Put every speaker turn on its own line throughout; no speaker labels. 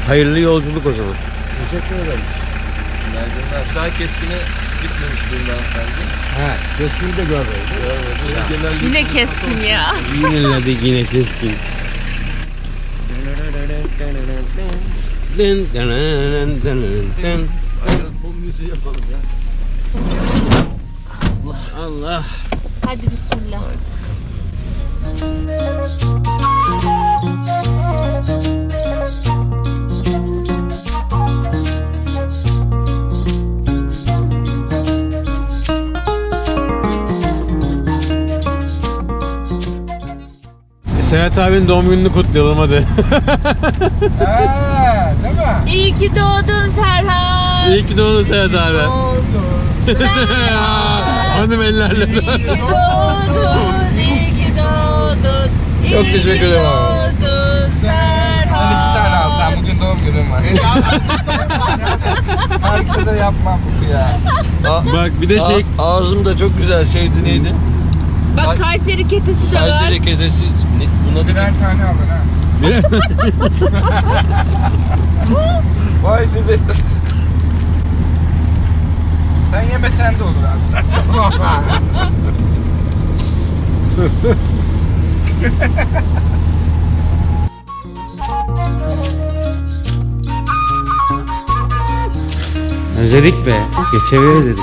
Hayırlı yolculuk o zaman.
Teşekkür ederim.
Daha keskine gitmemiş bundan hanımefendi.
He, keskin de görmedim.
Yine keskin ya.
Yineledik yine keskin. Dın dın dın dın dın.
Aynen bu müziği yapalım ya.
Allah.
Hadi bismillah.
Serhat abinin doğum gününü kutlayalım hadi.
He, değil mi?
İyi ki doğdun Serhat.
İyi ki doğdun Serhat abi. Hanım ellerle.
İyi ki doğdun, iyi ki doğdun.
Çok teşekkür ederim abi.
Doğdun Serhat.
Ben 2 tane alsam bugün doğum günüm var. Herkese yapmam bu ya.
Bak bir de şey.
Ağzım da çok güzel şeydi neydi?
Bak Kayseri ketesi de var.
Kayseri kedisi. Buna birer tane alın ha. Vay size. Sen yemesen de olur abi.
Özledik be. Geçebiliriz dedik.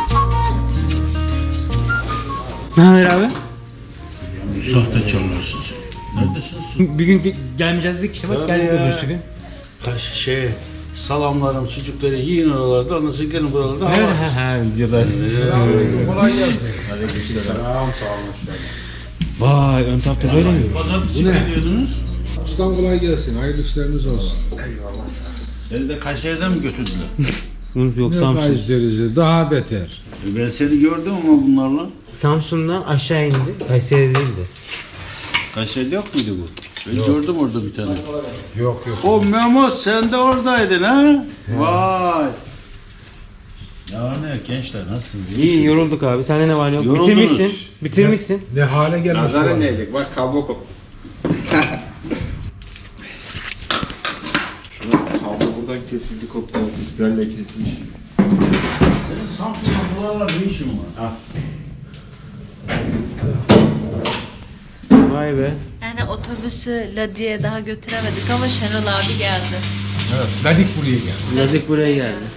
Ne haber abi?
Sahtekarlar siz. Neredesiniz?
Bir gün gelmeyeceğiz dedik işte bak geldik öbürsü gün.
Salamlarım, sucukları yiyin oralarda, ondan sonra gelin buralarda.
Ha videolar.
Kolay gelsin.
Selam, sağ olun.
Vay ön tarafta böyle mi?
Pazartesi ne diyordunuz?
Ustam kolay gelsin. Hayırlı işleriniz olsun.
Seni de Kayseri'den mi götürdüler?
Yok
Ne
Samsun.
Kayseri'si daha beter.
Ben seni gördüm ama bunlarla.
Samsun'dan aşağı indi. Kayseri değildi.
Kayseri'de yok muydu bu? Ben gördüm orada bir tane.
Yok.
O Memo sen de oradaydın ha? Vay. Ya ne gençler nasılsınız?
İyi yorulduk abi. Sende ne var ne yok?
Yoruldunuz.
Bitirmişsin. Bitirmişsin.
Ne hale gelmiş bu
Nazarın
adam.
diyecek. Bak kablo kop. Şuna kablo buradan kesildi koptu. İspiralle kesilmiş.
Senin Samsun'da buralarla ne işin var?
Vay be.
Yani otobüsü Ladi'ye daha götüremedik ama Şenol abi geldi.
Evet. Ladik buraya geldi.
Nazik buraya geldi.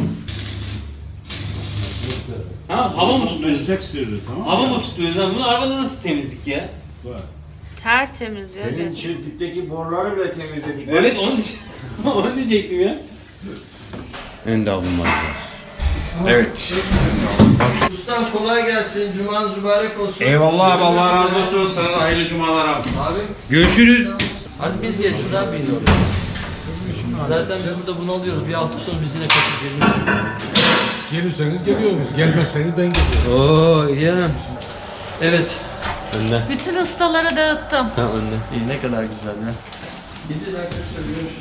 Ha hava mı tutuyoruz?
Meslek sırrı tamam mı?
Hava mı tutuyoruz lan? Bunu arabada nasıl temizlik ya?
Tertemiz ya.
Senin çiftlikteki boruları bile temizledik.
Evet onu diyecektim ya. Önde alınmazlar.
Evet.
Ustam kolay gelsin. Cumanız mübarek olsun.
Eyvallah abi, Allah razı olsun.
Sana da hayırlı cumalar abi.
Abi
Görüşürüz.
hadi biz geleceğiz abi yine oraya. Zaten biz burada bunu alıyoruz. Bir hafta sonra biz yine kaçıp geliriz.
Gelirseniz geliyoruz. Gelmezseniz ben geliyorum.
Oo iyi hanım.
Evet.
Önde.
Bütün ustalara dağıttım.
Ha önde.
İyi ne kadar güzel ya. Gidin arkadaşlar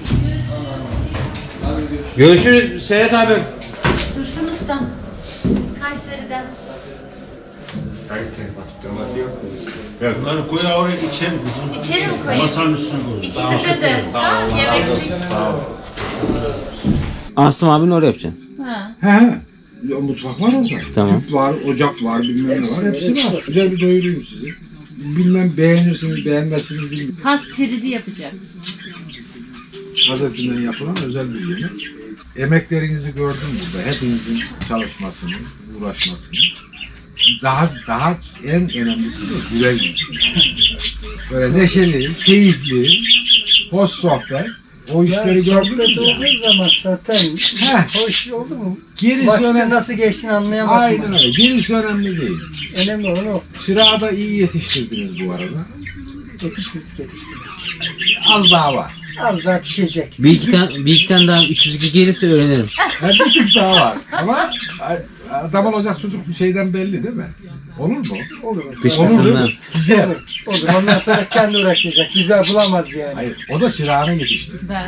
görüşürüz.
Görüşürüz Serhat abim.
Dursun usta. Kayseri'den.
Kayseri bastırması yok.
Bunları koy oraya içelim kızım.
İçeri mi koyayım?
Masanın üstüne koy.
İkimize de. Ha, yemeklik.
Sağ ol.
Asım abin oraya yapacaksın.
Ha.
He. Ya, mutfak var orada.
Tamam.
Tüp var, ocak var, bilmem ne var. Hepsi var. Güzel bir doyurayım sizi. Bilmem beğenirsiniz, beğenmezsiniz bilmiyorum.
Kas tridi yapacak.
Gazetinden yapılan özel bir yemek. Emeklerinizi gördüm burada. Hepinizin çalışmasını, uğraşmasını. Daha en önemlisi de güler yüzü. Böyle neşeli, keyifli, hoş sohbet. O işleri gördünüz ya.
olduğu zaman zaten
Heh.
hoş oldu mu?
Gerisi
Vakti
önemli.
nasıl geçtiğini anlayamazsın.
Aynen öyle. Gerisi önemli değil.
Önemli olan o.
Çırağı da iyi yetiştirdiniz bu arada.
Yetiştirdik.
Az daha var.
Az daha pişecek.
Bir iki tane daha 302 gelirse öğrenirim.
Bir tık daha var. Ama adam olacak çocuk bir şeyden belli değil mi? Olur mu?
Olur.
Dışkısından.
Güzel.
Olur. Ondan sonra kendi uğraşacak. Güzel bulamaz yani.
Hayır, o da çırağını yetiştirdi.
Ben.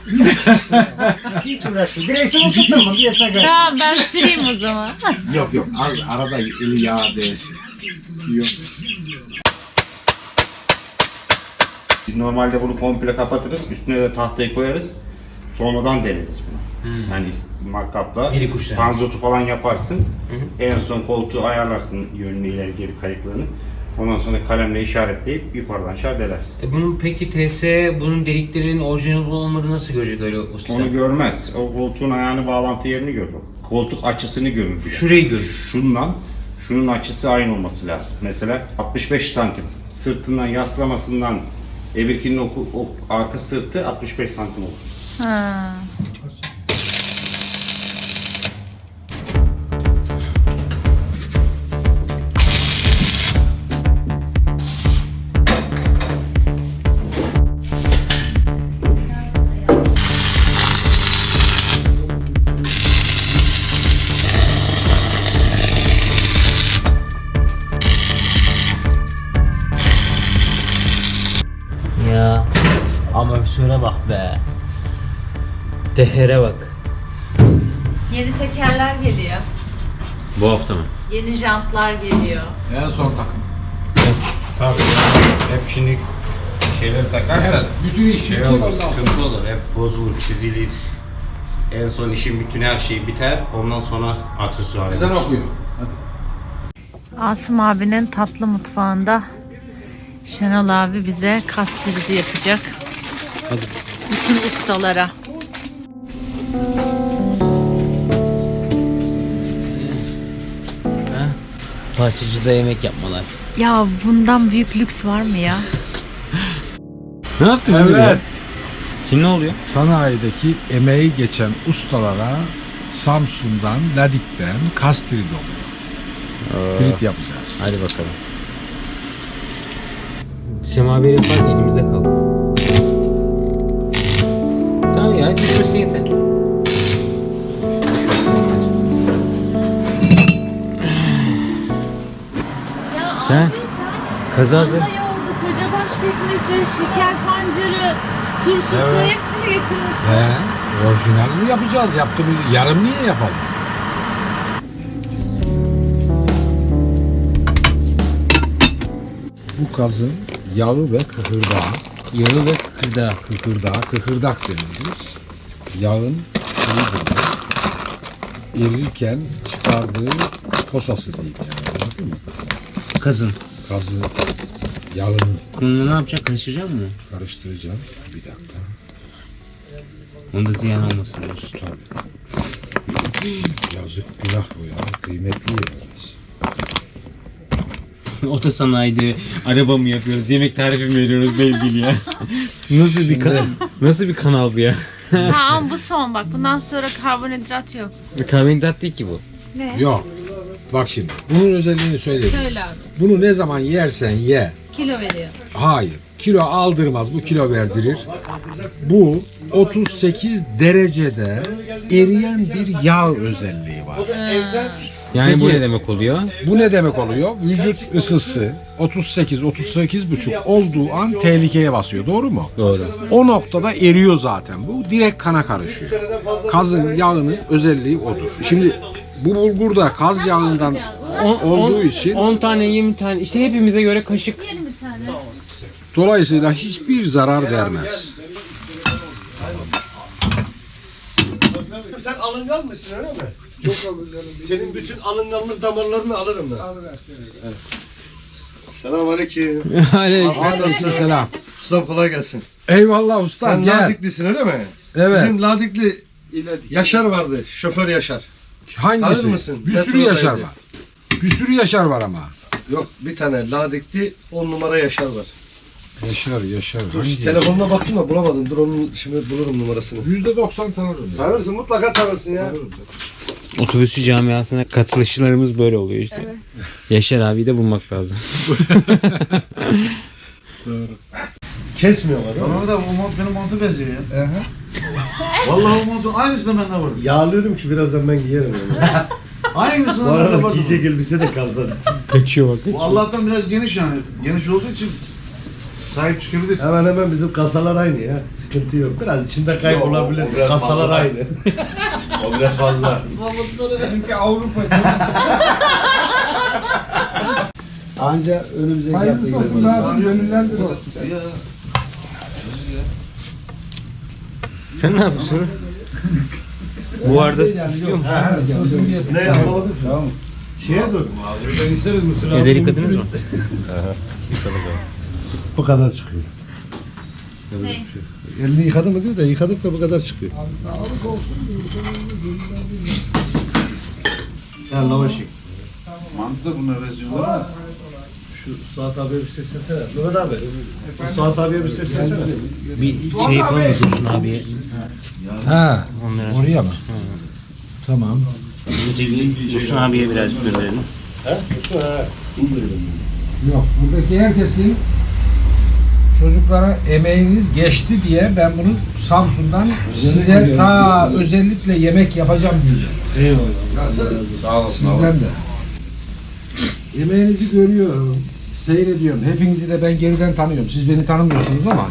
Hiç uğraşmıyor. Direksiyonu tutturma. Bir yasa gel.
Tamam ben süreyim o zaman.
Yok, arada eli yağ değsin. Yok.
Biz normalde bunu komple kapatırız. Üstüne de tahtayı koyarız. sonradan deneriz bunu. Yani matkapla
Diri kuş
panzotu falan yaparsın. En son koltuğu ayarlarsın yönünü ileri geri kayıklarını. Ondan sonra kalemle işaretleyip yukarıdan aşağı delersin.
Bunun peki TS bunun deliklerinin orijinal olmadığını nasıl görecek öyle usta?
Onu görmez. O koltuğun ayağını bağlantı yerini görür. Koltuk açısını görür. Bir de.
Şurayı görür.
Şunun açısı aynı olması lazım. Mesela 65 santim. Sırtından yaslamasından Ebirkinin o arka sırtı 65 santim olur.
Ha.
Ya amortisöre bak be. Tehere bak.
Yeni tekerler geliyor.
Bu hafta mı?
Yeni jantlar geliyor.
En son takım.
Tabii. Hep şimdi şeyleri takarsan
Bütün iş
şey
yüksek
olur,
ondan sonra.
sıkıntı olur. Hep bozulur, çizilir. En son işin bütün her şey biter. Ondan sonra aksesuar
Ezan
yapılır.
okuyor.
Asım abinin tatlı mutfağında Şenol abi bize kastiridi yapacak. Bütün ustalara.
Parçacıda yemek yapmalar.
Ya bundan büyük lüks var mı ya?
Ne yaptın?
Evet.
Şimdi ne oluyor?
Sanayideki emeği geçen ustalara Samsun'dan, Ladik'ten kastiri oluyor. Frit yapacağız.
Hadi bakalım. Semaveri yapar elimizde kaldı. Tamam ya düşmesi yeter. Sen kazazı
Yoğurdu, kocabaş pekmezi, şeker pancarı, turşusu hepsini getirmişsin.
Orijinalini yapacağız. Yaptığımız yarım niye yapalım? Bu kazın yağı ve kıkırdağı.
yağı ve kıkırdağı.
Kıkırdak deniriz. Yağın şeyidir. Erirken çıkardığı posası değil. Yani, anladın mı?
Kazın.
Kazı, yağını
Bunu ne yapacaksın? Karıştıracak mısın?
karıştıracağım. Bir dakika.
Onda ziyan olmasın diyorsun.
Tabii. Yazık günah bu ya. Kıymetli yerimiz.
Otosanayide araba mı yapıyoruz? Yemek tarifi mi veriyoruz belli ya. Nasıl bir kanal bu ya?
Tamam bu son bak. Bundan sonra karbonhidrat yok.
Karbonhidrat değil ki bu.
Ne?
Yok. Bak şimdi. Bunun özelliğini söyleyeyim.
Söyle abi.
Bunu ne zaman yersen ye.
Kilo veriyor.
Hayır. Kilo aldırmaz. Bu kilo verdirir. Bu 38 derecede eriyen bir yağ özelliği var.
Yani bu
Peki.
ne demek oluyor?
Bu ne demek oluyor? Vücut ısısı 38-38,5 olduğu an tehlikeye basıyor. Doğru mu?
Doğru.
O noktada eriyor zaten. Bu direkt kana karışıyor. Kazın yağının özelliği odur. Şimdi bu bulgur da kaz yağından olduğu için
10 tane 20 tane işte hepimize göre kaşık.
dolayısıyla hiçbir zarar vermez.
Sen alıngan mısın öyle mi? Çok alınganım. Senin bütün alınganlık damarlarını alırım ben. Evet. Selamünaleyküm.
Aleykümselam.
Ustam kolay gelsin.
Eyvallah usta.
Sen
Gel.
Ladiklisin öyle mi?
Evet.
Bizim Ladikli Yaşar vardı. Şoför Yaşar. Tanır
Hangisi?
mısın?
Bir sürü
Metrodaydı.
Yaşar var. Bir sürü Yaşar var ama.
Yok bir tane Ladikli 10 numara Yaşar var.
Yaşar.
Dur, telefonuna baktım da bulamadım. Dur onun şimdi bulurum numarasını.
%90 tanırım. ya.
Tanırsın mutlaka tanırsın ya.
Otobüsçü camiasına katılışlarımız böyle oluyor işte. Evet. Yaşar abi de bulmak lazım.
Kesmiyorlar değil mi?
Bana da bu mont benim montu benziyor ya. Vallahi o montun aynısını bende var.
Yağlıyorum ki birazdan ben giyerim onu.
Aynısını
Bu
bende
arada
var.
giyecek elbise de kaldı.
Kaçıyor bak.
Bu Allah'tan biraz geniş yani. Geniş olduğu için sahip çıkabilir.
Hemen bizim kasalar aynı ya. Sıkıntı yok. Biraz içinde kaybolabilir.
Yok, o biraz
Kasalar
fazla.
aynı.
O biraz fazla.
Anca önümüze geldi.
Ya.
Sen ne yapıyorsun? Bu arada istiyor musun?
Ne anlamadım. Tamam. Şeye dur. Ben isteriz mısır abi.
Evde yıkadınız mı?
Bu kadar çıkıyor. Elini yıkadın mı diyor da yıkadık da bu kadar çıkıyor. Ya lavaş yık.
Mantı da bunlar rezyonlar ama.
Şu Suat abiye bir seslensene. Mehmet abi. Şu Suat abiye bir seslensene.
Bir şey yapalım mı Dursun abiye?
Ha,
Onlara.
oraya mı? Tamam.
Dursun abiye biraz gönderelim.
Yok, buradaki herkesin çocuklara emeğiniz geçti diye ben bunu Samsun'dan size ta özellikle yemek yapacağım diye.
Eyvallah.
Sağ olasın
Sizden de. Emeğinizi görüyorum, seyrediyorum. Hepinizi de ben geriden tanıyorum. Siz beni tanımıyorsunuz ama.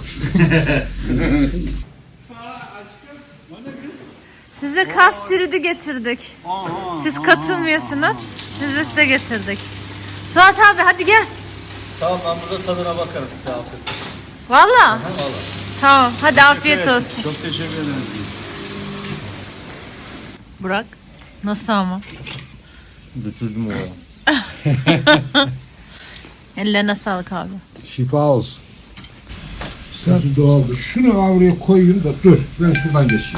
Size kastürüdü getirdik. Siz katılmıyorsunuz. Size getirdik. Suat abi hadi gel.
Tamam ben burada tadına bakarım size afiyet.
Valla. Tamam hadi afiyet olsun.
Çok teşekkür ederim.
Burak nasıl ama?
Götürdüm o.
Ellerine sağlık abi.
Şifa olsun. Sözü doğaldır. Şunu avruya koyayım da dur. Ben şuradan geçeyim.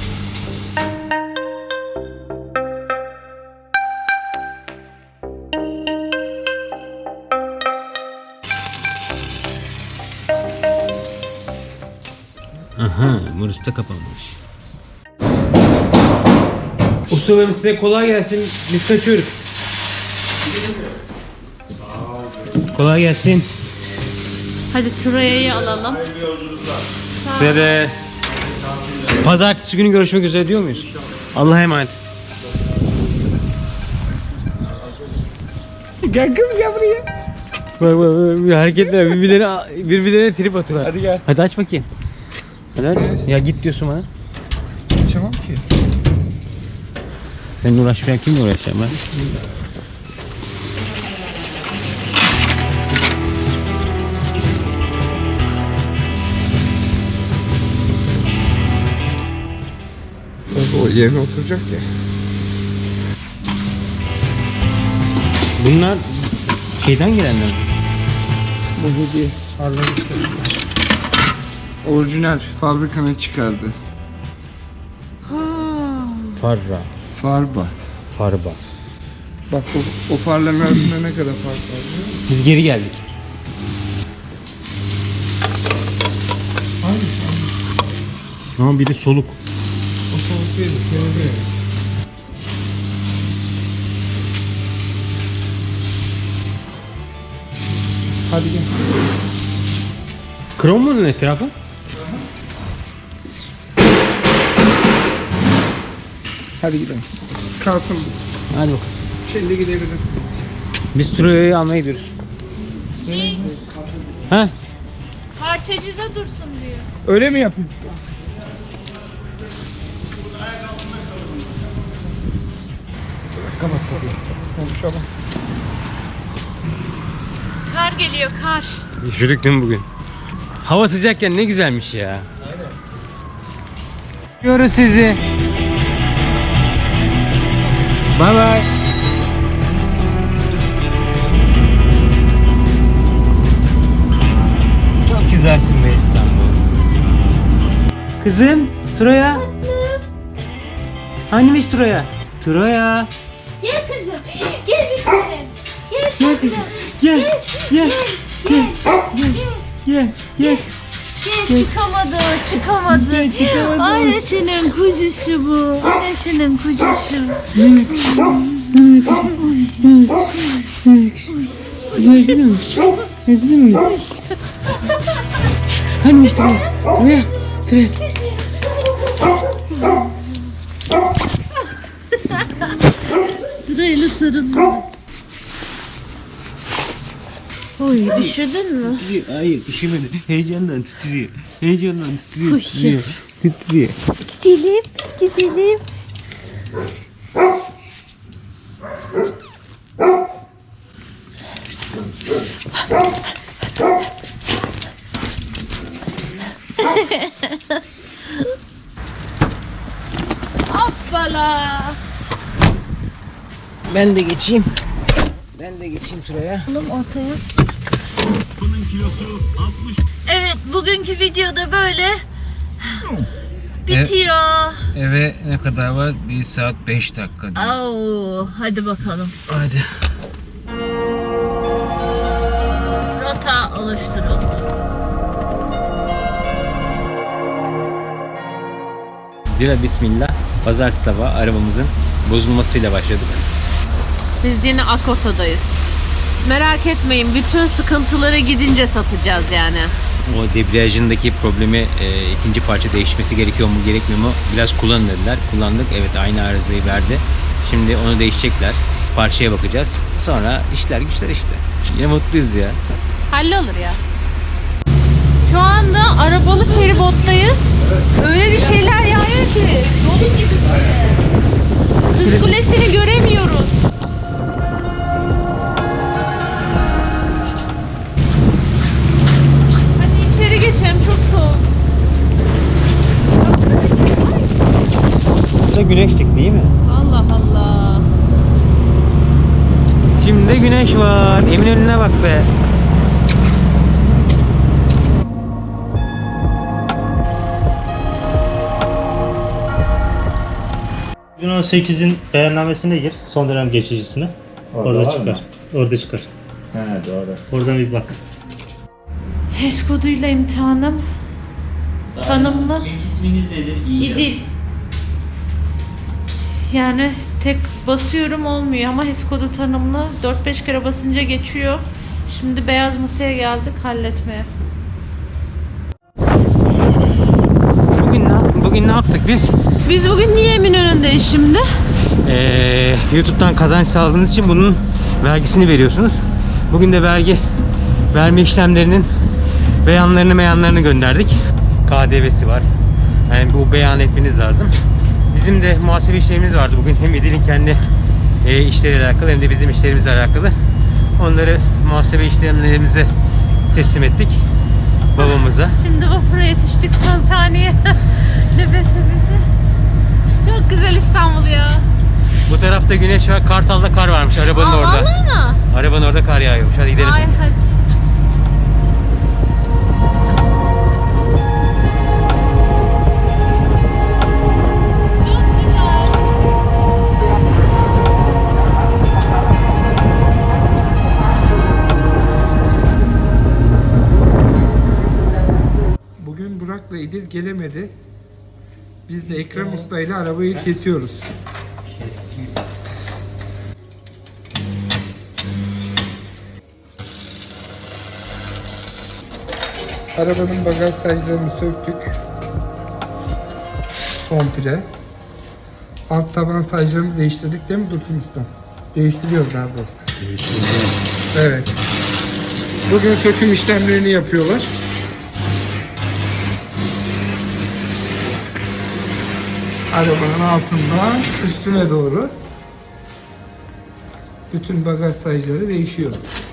Aha, burası da kapanmış. Ustamım size kolay gelsin. Biz kaçıyoruz. Kolay gelsin.
Hadi Turaya'yı alalım.
Size de pazartesi günü görüşmek üzere diyor muyuz? Allah'a emanet. Gel kız gel buraya. Bak hareketler birbirlerine trip atıyorlar. Hadi gel. Hadi aç bakayım. Hadi aç. Ya git diyorsun bana.
Açamam ki.
Seninle uğraşmayan kimle uğraşacağım ben?
O yerine oturacak ya.
Bunlar şeyden gelenler.
Bu hediye. Orijinal fabrikanın çıkardı.
Farra.
Farba.
Farba.
Bak o farların arasında ne kadar fark var.
Biz geri geldik. Ama biri soluk.
O soğuk değil, senin değil. Hadi gel.
Krom mu onun etrafı?
Hadi gidelim. Kalsın bu.
Hadi bakalım.
Şimdi gidebiliriz.
Biz Troya'yı almaya gidiyoruz. Ha?
Parçacıda dursun diyor.
Öyle mi yapayım? Kapat kapıyı. Konuşalım.
Kar geliyor kar.
Üşüdük değil mi bugün? Hava sıcakken ne güzelmiş ya. Aynen. Görüyoruz sizi. Bye bye. Çok güzelsin be İstanbul. Kızım, Troya. Hanimiş Troya? Troya.
Gel kızım. Gel bir tanem. Gel kızım.
Gel, gel, gel, gel, gel.
Gel çıkamadı, çıkamadı. Annesinin kuzusu bu. Annesinin kuzusu.
Özledin mi? Özledin mi? Hanimiş Troya? Troya, Troya.
Sırayla sarıldı. Oy düşürdün mü?
Hayır, üşümedi. Heyecandan titriyor. Heyecandan titriyor. Titriyor. Titriyor.
Güzelim, güzelim. Allah.
Ben de geçeyim şuraya.
Alalım ortaya. Evet, bugünkü videoda böyle bitiyor.
Eve ne kadar var? 1 saat 5 dakika.
Au, hadi bakalım.
Hadi.
Rota oluşturuldu.
Bira bismillah. Pazartesi sabahı arabamızın bozulmasıyla başladık.
Biz yine Akota'dayız. Merak etmeyin, bütün sıkıntıları gidince satacağız yani.
O debriyajındaki problemi ikinci parça değişmesi gerekiyor mu gerekmiyor mu? Biraz kullanın dediler. Kullandık. Evet, aynı arızayı verdi. Şimdi onu değişecekler. Parçaya bakacağız. Sonra işler güçler işte. Yine mutluyuz ya.
Hallolur ya. Şu anda arabalı feribottayız. Öyle bir şeyler yağıyor ki dolu gibi böyle. Kız Kulesi'ni göremiyoruz. Hadi içeri geçelim, çok soğuk.
Burada güneşlik değil mi?
Allah Allah.
Şimdi de güneş var. Eminönü'ne bak be.
Bugün 18'in beyannamesine gir. Son dönem geçicisine. Orada çıkar. Orada çıkar.
He doğru.
Oradan bir bak.
HES koduyla imtihanım. Tanımlı.
İlk isminiz nedir?
İdil. Yani tek basıyorum olmuyor ama HES kodu tanımlı. 4-5 kere basınca geçiyor. Şimdi beyaz masaya geldik halletmeye.
Bugün ne yaptık biz?
Biz bugün niye Eminönü'ndeyiz şimdi?
YouTube'dan kazanç sağladığınız için bunun vergisini veriyorsunuz. Bugün de vergi verme işlemlerinin beyanlarını gönderdik. KDV'si var. Yani bu beyan etmeniz lazım. Bizim de muhasebe işlemimiz vardı bugün. Hem İdil'in kendi işleriyle alakalı hem de bizim işlerimizle alakalı. Onları muhasebe işlemlerimize teslim ettik. Babamıza.
Şimdi vapura yetiştik son saniye. Nefes nefese. Çok güzel İstanbul ya.
Bu tarafta güneş var. Kartal'da kar varmış arabanın orada.
Vallahi mı?
Arabanın orada kar yağıyormuş. Hadi gidelim.
Ay hadi. Çok güzel.
Bugün Burak'la İdil gelemedi. Biz de Ekrem Usta ile arabayı kesiyoruz. Arabanın bagaj saclarını söktük. Komple. Alt taban saclarını değiştirdik değil mi Dursun Usta? Değiştiriyoruz daha doğrusu. Evet. Bugün söküm işlemlerini yapıyorlar. Arabanın altından üstüne doğru bütün bagaj sacları değişiyor.